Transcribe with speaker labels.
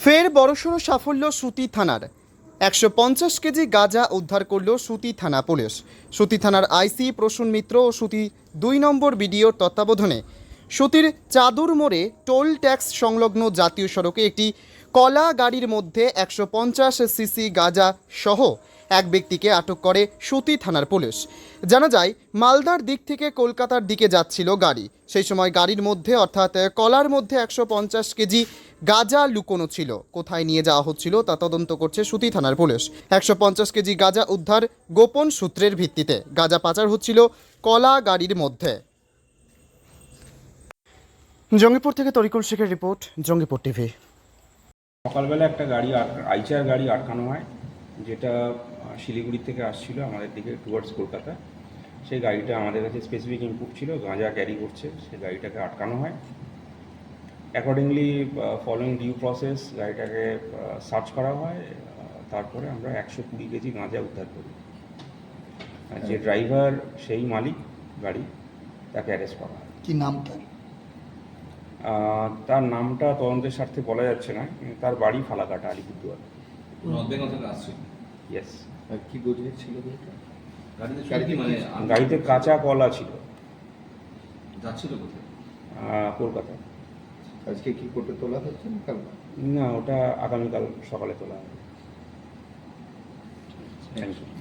Speaker 1: ফের বড়সড় সাফল্য সুতি থানার 150 কেজি গাঁজা উদ্ধার করল সুতি থানা পুলিশ। সুতি থানার আইসি প্রসূন মিত্র ও সুতি 2 নম্বর বিডিওর তত্ত্বাবধানে সুতির চাদুর মোড়ে টোল ট্যাক্স সংলগ্ন জাতীয় সড়কে একটি কলা গাড়ির মধ্যে 150 সিসি গাঁজা সহ এক ব্যক্তিকে আটক করে সুতি থানার পুলিশ। জানা যায়, মালদার দিক থেকে কলকাতার দিকে যাচ্ছিল গাড়ি। সেই সময় গাড়ির মধ্যে অর্থাৎ কলার মধ্যে 150 কেজি গাঁজা লুকোনো ছিল। কোথায় নিয়ে যাওয়া হচ্ছিল তা তদন্ত করছে সুতি থানার পুলিশ। 150 কেজি গাঁজা উদ্ধার গোপন সূত্রের ভিত্তিতে। গাঁজা পাচার হচ্ছিল কলা গাড়ির মধ্যে। জঙ্গিপুর থেকে তরিকুল শেখের রিপোর্ট, জঙ্গিপুর টিভি।
Speaker 2: সকালবেলা একটা গাড়ি আইচার গাড়ি আটকানো হয়, যেটা শিলিগুড়ি থেকে আসছিল আমাদের দিকে টুয়ার্ডস কলকাতা। সেই গাড়িটা আমাদের কাছে স্পেসিফিক ইনপুট ছিল গাঁজা ক্যারি করছে, সেই গাড়িটাকে আটকানো হয়। অ্যাকর্ডিংলি ফলোয়িং ডিউ প্রসেস গাড়িটাকে সার্চ করা হয়। তারপরে আমরা 120 কেজি গাঁজা উদ্ধার করি। যে ড্রাইভার সেই মালিক গাড়ি, তাকে অ্যারেস্ট করা হয়।
Speaker 3: কি নামটা?
Speaker 2: তার নামটা তদন্তের স্বার্থে বলা যাচ্ছে না, কিন্তু তার বাড়ি ফালাকাটা, আলিপুরদুয়ার। ইয়েস।
Speaker 3: কি গতিতে ছিল
Speaker 2: গাড়িতে কাঁচা কলা ছিল।
Speaker 4: যাচ্ছিল কোথায়?
Speaker 2: কলকাতা।
Speaker 3: আজকে কি কোর্টে তোলা হচ্ছে না কাল?
Speaker 2: না, ওটা আগামীকাল সকালে তোলা হবে। Thank you.